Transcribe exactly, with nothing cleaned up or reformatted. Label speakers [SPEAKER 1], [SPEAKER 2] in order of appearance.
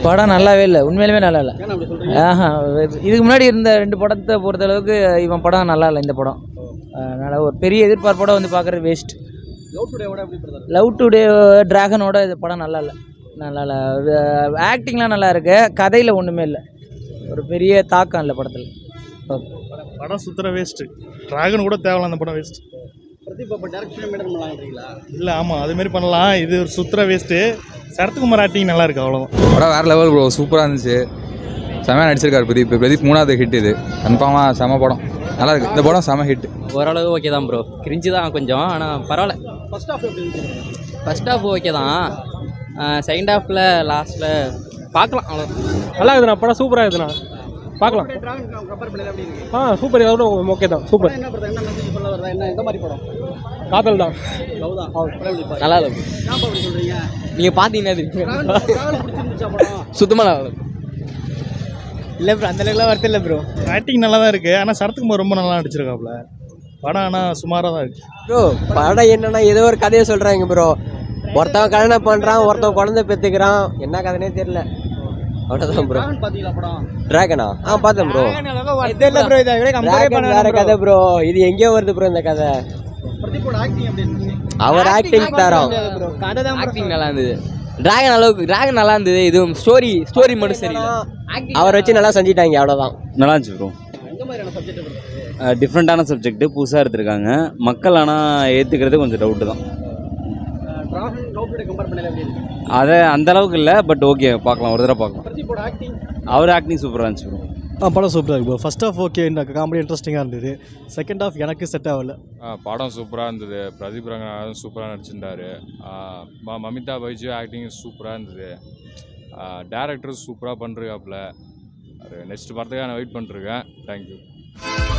[SPEAKER 1] படம் நல்லாவே இல்லை, உண்மையிலுமே நல்லா இல்லை. ஆஹா, இதுக்கு முன்னாடி இருந்த ரெண்டு படத்தை பொறுத்தளவுக்கு இவன் படம் நல்லா இல்லை. இந்த படம் அதனால் ஒரு பெரிய எதிர்பார்ப்போட வந்து பார்க்குறது வேஸ்ட். லவ் டுடே டிராகனோட இது படம் நல்லா இல்லை, நல்லா இல்லை. ஆக்டிங்லாம் நல்லா இருக்கு, கதையில் ஒன்றுமே இல்லை, ஒரு பெரிய தாக்கம் இல்லை படத்தில்.
[SPEAKER 2] படம் சுத்தர வேஸ்ட்டு. டிராகன் கூட தேவையில்ல, அந்த படம் வேஸ்ட். இல்லை ஆமாம் அதுமாரி பண்ணலாம், இது ஒரு சுத்தர வேஸ்ட்டு. சரத்குமார் ஆக்டிங் நல்லா இருக்கு, அவ்வளோதான்.
[SPEAKER 3] படம் வேறு லெவல் ப்ரோ, சூப்பராக இருந்துச்சு, செமையாக நடிச்சிருக்காரு பிரதீப். பிரதீப் மூணாவது ஹிட், இது கன்ஃபார்மாக செம படம், நல்லா இருக்குது இந்த படம், செம ஹிட்.
[SPEAKER 4] ஓரளவு ஓகே தான் ப்ரோ, கிரிஞ்சு தான் கொஞ்சம், ஆனால் பரவாயில்ல. ஃபஸ்ட் ஹாஃப் ஓகே தான், செகண்ட் ஹாஃபில் லாஸ்ட்டில் பார்க்கலாம், அவ்வளோ
[SPEAKER 5] நல்லா இருக்குதுண்ணா. படம் சூப்பராக இருக்குதுண்ணா, பார்க்கலாம். ஆ சூப்பர், எவ்வளோ ஓகே தான், சூப்பர். காதல் தான்,
[SPEAKER 4] நல்லா இல்லை. நீங்கள் பார்த்தீங்கன்னா சுத்தமாக நல்லா இல்லை ப்ரோ, அந்த அளவுக்குலாம் வருது இல்லை ப்ரோ.
[SPEAKER 2] ஆக்டிங் நல்லா தான் இருக்குது, ஆனால் சரத்குமார் ரொம்ப நல்லா நடிச்சிருக்காப்புல. படம் ஆனால் சுமாராக தான் இருக்குது
[SPEAKER 6] ப்ரோ. படம் என்னன்னா ஏதோ ஒரு கதையை சொல்கிறாங்க ப்ரோ. ஒருத்தவன் கல்யாணம் பண்ணுறான், ஒருத்தவன் குழந்தை பெற்றுக்கிறான், என்ன கதைனே தெரியல, அவ்வளோதான் ப்ரோ. டிராகனா ஆ பார்த்தேன் ப்ரோ. வேற கதை ப்ரோ, இது எங்கேயோ வருது ப்ரோ இந்த கதை. அவர் ஆக்டிங் தரோம்,
[SPEAKER 4] ஆக்டிங் நல்லா இருந்தது. டிராகன் அளவுக்கு டிராகன் நல்லா இருந்தது, இதுவும் ஸ்டோரி ஸ்டோரி மட்டும் சரி.
[SPEAKER 6] அவரை வச்சு நல்லா செஞ்சிட்டாங்க, அவ்வளோதான்.
[SPEAKER 7] நல்லா இருந்துச்சு ப்ரோ. டிஃப்ரெண்ட்டான சப்ஜெக்ட்டு புதுசாக எடுத்திருக்காங்க, மக்கள் ஆனால் ஏற்றுக்கிறது கொஞ்சம் டவுட்டு தான். அதை அந்த அளவுக்கு இல்லை, பட் ஓகே பார்க்கலாம், ஒரு தடவை பார்க்கலாம். அவர் ஆக்டிங் சூப்பராக இருந்துச்சு ப்ரோ.
[SPEAKER 8] ஆ படம் சூப்பராக இருக்கு ப்ரோ. ஃபர்ஸ்ட் ஹாஃப் ஓகே, இந்த காமெடி இன்ட்ரெஸ்டிங்காக இருந்தது. செகண்ட் ஹாஃப் எனக்கு செட் ஆகல.
[SPEAKER 9] படம் சூப்பராக இருந்தது, பிரதீப் ரங்கநாதன் சூப்பராக நடிச்சிருந்தாரு. மமிதா பைஜு ஆக்டிங் சூப்பராக இருந்தது. டேரக்டர் சூப்பராக பண்ணுறாப்புல. நெக்ஸ்ட் படத்துக்காக நான் வெயிட் பண்ணிருக்கேன். தேங்க்யூ.